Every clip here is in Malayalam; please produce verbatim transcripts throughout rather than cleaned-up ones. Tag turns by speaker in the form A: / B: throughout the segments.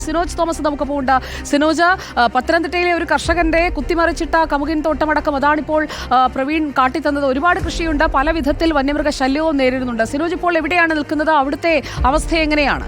A: സിനോജ് തോമസ് നമുക്കൊപ്പം ഉണ്ട്. സിനോജ്, പത്തനംതിട്ടയിലെ ഒരു കർഷകന്റെ കുത്തിമറിച്ചിട്ട കമുകിൻ തോട്ടമടക്കം അതാണിപ്പോൾ പ്രവീൺ കാട്ടിത്തന്നത്. ഒരുപാട് കൃഷിയുണ്ട്, പല വിധത്തിൽ വന്യമൃഗ ശല്യവും നേരിടുന്നുണ്ട്. സിനോജ് ഇപ്പോൾ എവിടെയാണ് നിൽക്കുന്നത്? അവിടുത്തെ അവസ്ഥ എങ്ങനെയാണ്?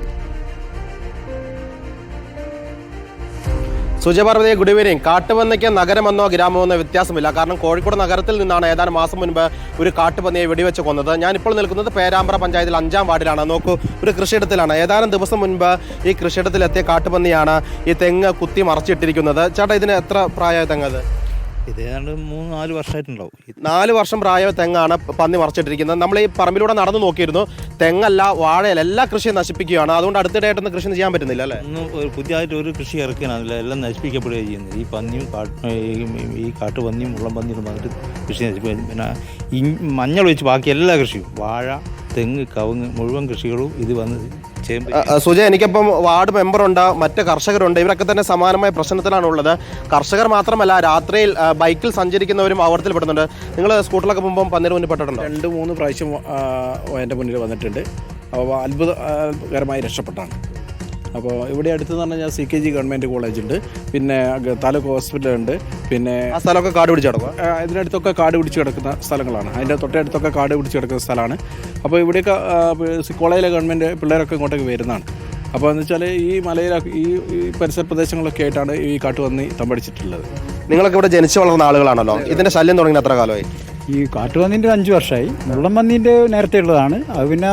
B: സുജപാർവതി, ഗുഡ് ഈവനിങ്. കാട്ടുപന്നിക്ക് നഗരമെന്നോ ഗ്രാമമെന്നോ വ്യത്യാസമില്ല. കാരണം കോഴിക്കോട് നഗരത്തിൽ നിന്നാണ് ഏതാനും മാസം മുൻപ് ഒരു കാട്ടുപന്നിയെ വെടിവെച്ച് കൊന്നത്. ഞാനിപ്പോൾ നിൽക്കുന്നത് പേരാമ്പ്ര പഞ്ചായത്തിൽ അഞ്ചാം വാർഡിലാണ്. നോക്കൂ, ഒരു കൃഷിയിടത്തിലാണ്. ഏതാനും ദിവസം മുൻപ് ഈ കൃഷിയിടത്തിലെത്തിയ കാട്ടുപന്നിയാണ് ഈ തെങ്ങ് കുത്തി മറച്ചിട്ടിരിക്കുന്നത്. ചേട്ടാ, ഇതിന് എത്ര പ്രായമായ തെങ്ങത്?
C: ഇത് ഏതാണ്ട് മൂന്ന് നാല് വർഷമായിട്ടുണ്ടാവും.
B: നാല് വർഷം പ്രായ തെങ്ങാണ് പന്നി മറച്ചിട്ടിരിക്കുന്നത്. നമ്മൾ ഈ പറമ്പിലൂടെ നടന്നു നോക്കിയിരുന്നു. തെങ്ങല്ല, വാഴയല്ല, എല്ലാ കൃഷിയും നശിപ്പിക്കുകയാണ്. അതുകൊണ്ട് അടുത്തിടെയായിട്ടൊന്നും കൃഷി ചെയ്യാൻ പറ്റുന്നില്ല അല്ലേ?
C: ഒന്നും പുതിയതായിട്ട് ഒരു കൃഷി ഇറക്കാനില്ല, എല്ലാം നശിപ്പിക്കപ്പെടുകയാണ് ചെയ്യുന്നത്. ഈ പന്നിയും കാട്ട് ഈ കാട്ടുപന്നിയും മുള്ളം പന്നിയും വന്നിട്ട് കൃഷി നശിപ്പിക്കും. പിന്നെ ഈ മഞ്ഞൾ വെച്ച് ബാക്കി എല്ലാ കൃഷിയും, വാഴ, തെങ്ങ്, കവുങ്ങ്, മുഴുവൻ കൃഷികളും ഇത് വന്ന്
B: സുജ, എനിക്കിപ്പം വാർഡ് മെമ്പറുണ്ട്, മറ്റ് കർഷകരുണ്ട്. ഇവരൊക്കെ തന്നെ സമാനമായ പ്രശ്നത്തിലാണ് ഉള്ളത്. കർഷകർ മാത്രമല്ല, രാത്രിയിൽ ബൈക്കിൽ സഞ്ചരിക്കുന്നവരും അപകടത്തിൽ പെടുന്നുണ്ട്. നിങ്ങൾ സ്കൂട്ടറിലൊക്കെ പോകുമ്പോൾ പന്നിന് മുന്നിൽ പെട്ടിട്ടുണ്ടോ?
D: രണ്ട് മൂന്ന് പ്രാവശ്യം എൻ്റെ മുന്നിൽ വന്നിട്ടുണ്ട്. അപ്പോൾ അത്ഭുതകരമായി രക്ഷപ്പെട്ടാണ്. അപ്പോൾ ഇവിടെ അടുത്ത് പറഞ്ഞാൽ ഞാൻ സി കെ ജി ഗവൺമെൻറ് കോളേജുണ്ട്, പിന്നെ താലൂക്ക് ഹോസ്പിറ്റലുണ്ട്, പിന്നെ
B: ആ സ്ഥലമൊക്കെ കാട് പിടിച്ച് കിടക്കും.
D: ഇതിനടുത്തൊക്കെ കാട് പിടിച്ച് കിടക്കുന്ന സ്ഥലങ്ങളാണ്. അതിൻ്റെ തൊട്ടടുത്തൊക്കെ കാട് പിടിച്ച് കിടക്കുന്ന സ്ഥലമാണ്. അപ്പോൾ ഇവിടെയൊക്കെ കോളേജിലെ ഗവൺമെൻറ് പിള്ളേരൊക്കെ ഇങ്ങോട്ടേക്ക് വരുന്നതാണ്. അപ്പോൾ എന്ന് വെച്ചാൽ ഈ മലയിലെ ഈ പരിസര പ്രദേശങ്ങളൊക്കെ ആയിട്ടാണ് ഈ കാട്ടുപന്നി തമ്പടിച്ചിട്ടുള്ളത്.
B: നിങ്ങളൊക്കെ ഇവിടെ ജനിച്ചു വളർന്ന ആളുകളാണല്ലോ. ഇതിൻ്റെ ശല്യം തുടങ്ങി എത്ര കാലമായി?
E: ഈ കാട്ടുപന്നീൻ്റെ അഞ്ച് വർഷമായി. മുള്ളം പന്നീൻ്റെ നേരത്തെ ഉള്ളതാണ്. അത് പിന്നെ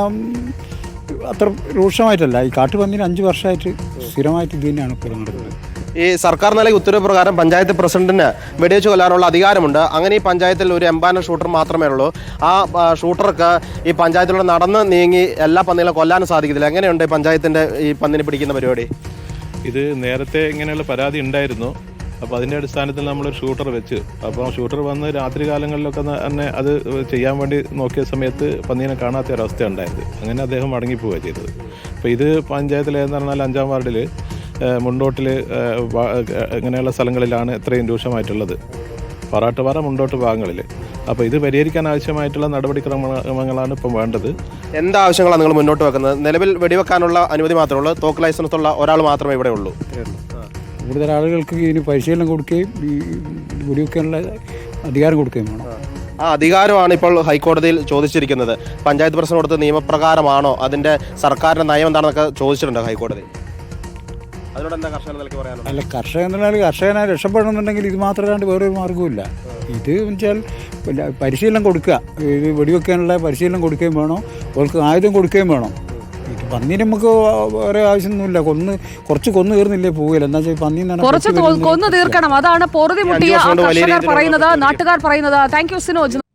E: അത്ര രൂക്ഷമായിട്ടല്ല. ഈ കാട്ടുപന്നീന് അഞ്ച് വർഷമായിട്ട് സ്ഥിരമായിട്ട് ഇത് തന്നെയാണ് ഇപ്പോൾ നടക്കുന്നത്.
B: ഈ സർക്കാർ നൽകിയ ഉത്തരവ് പ്രകാരം പഞ്ചായത്ത് പ്രസിഡന്റിന് വെടിവെച്ച് കൊല്ലാനുള്ള അധികാരമുണ്ട്. അങ്ങനെ ഈ പഞ്ചായത്തിൽ ഒരു എംപാനൽ ഷൂട്ടർ മാത്രമേ ഉള്ളൂ. ആ ഷൂട്ടർക്ക് ഈ പഞ്ചായത്തിലൂടെ നടന്ന് നീങ്ങി എല്ലാ പന്നികളെ കൊല്ലാനും സാധിക്കത്തില്ല. എങ്ങനെയുണ്ട് ഈ പഞ്ചായത്തിൻ്റെ ഈ പന്നിനെ പിടിക്കുന്ന പരിപാടി?
F: ഇത് നേരത്തെ ഇങ്ങനെയുള്ള പരാതി ഉണ്ടായിരുന്നു. അപ്പോൾ അതിൻ്റെ അടിസ്ഥാനത്തിൽ നമ്മളൊരു ഷൂട്ടർ വെച്ച്, അപ്പോൾ ഷൂട്ടർ വന്ന് രാത്രി കാലങ്ങളിലൊക്കെ തന്നെ അത് ചെയ്യാൻ വേണ്ടി നോക്കിയ സമയത്ത് പന്നീനെ കാണാത്ത ഒരവസ്ഥ ഉണ്ടായത്. അങ്ങനെ അദ്ദേഹം മടങ്ങിപ്പോവുക ചെയ്തത്. അപ്പോൾ ഇത് പഞ്ചായത്തിൽ ഏതെന്ന് പറഞ്ഞാൽ അഞ്ചാം വാർഡിൽ മുണ്ടോട്ടിൽ ഇങ്ങനെയുള്ള സ്ഥലങ്ങളിലാണ് ഇത്രയും രൂക്ഷമായിട്ടുള്ളത്, പാറാട്ടുപാറ, മുണ്ടോട്ട് ഭാഗങ്ങളിൽ. അപ്പോൾ ഇത് പരിഹരിക്കാൻ ആവശ്യമായിട്ടുള്ള നടപടിക്രമങ്ങളാണ് ഇപ്പം വേണ്ടത്.
B: എന്താവശ്യങ്ങളാണ് നിങ്ങൾ മുന്നോട്ട് വെക്കുന്നത്? നിലവിൽ വെടിവെക്കാനുള്ള അനുമതി മാത്രമേ ഉള്ളൂ. തോക്ക് ലൈസൻസ് ഉള്ള ഒരാൾ മാത്രമേ ഇവിടെ ഉള്ളൂ.
E: കൂടുതൽ ആളുകൾക്ക് ഇതിന് പരിശീലനം കൊടുക്കുകയും ഈ വെടിവെക്കാനുള്ള അധികാരം കൊടുക്കുകയും വേണം.
B: ആ അധികാരമാണ് ഇപ്പോൾ ഹൈക്കോടതിയിൽ ചോദിച്ചിരിക്കുന്നത്. പഞ്ചായത്ത് പ്രസിഡന്റ് കൊടുത്ത നിയമപ്രകാരമാണോ, അതിൻ്റെ സർക്കാരിൻ്റെ നയം എന്താണെന്നൊക്കെ ചോദിച്ചിട്ടുണ്ട് ഹൈക്കോടതി. അതിനോട് എന്താ കർഷകൻ നിലയ്ക്ക് പറയാനുള്ളത്?
E: അല്ല, കർഷകൻ എന്നാൽ കർഷകനെ രക്ഷപ്പെടണമെന്നുണ്ടെങ്കിൽ ഇത് മാത്രമല്ലാണ്ട് വേറൊരു മാർഗ്ഗവുമില്ല. ഇത് വെച്ചാൽ പരിശീലനം കൊടുക്കുക, ഇത് വെടിവെക്കാനുള്ള പരിശീലനം കൊടുക്കുകയും വേണം, അവർക്ക് ആയുധം കൊടുക്കുകയും വേണം. ഇത് പന്നീന് നമുക്ക് വേറെ ആവശ്യമൊന്നുമില്ല. കൊന്ന് കുറച്ച് കൊന്നു തീർന്നില്ലേ പോവില്ല. എന്താ വെച്ചാൽ പന്നി
A: കുറച്ച് കൊന്നു തീർക്കണം. അതാണ് പൊറുതി മുട്ടിയ കർഷകർ പറയുന്നത്, നാട്ടുകാർ പറയുന്നത്. Thank you Sinoj.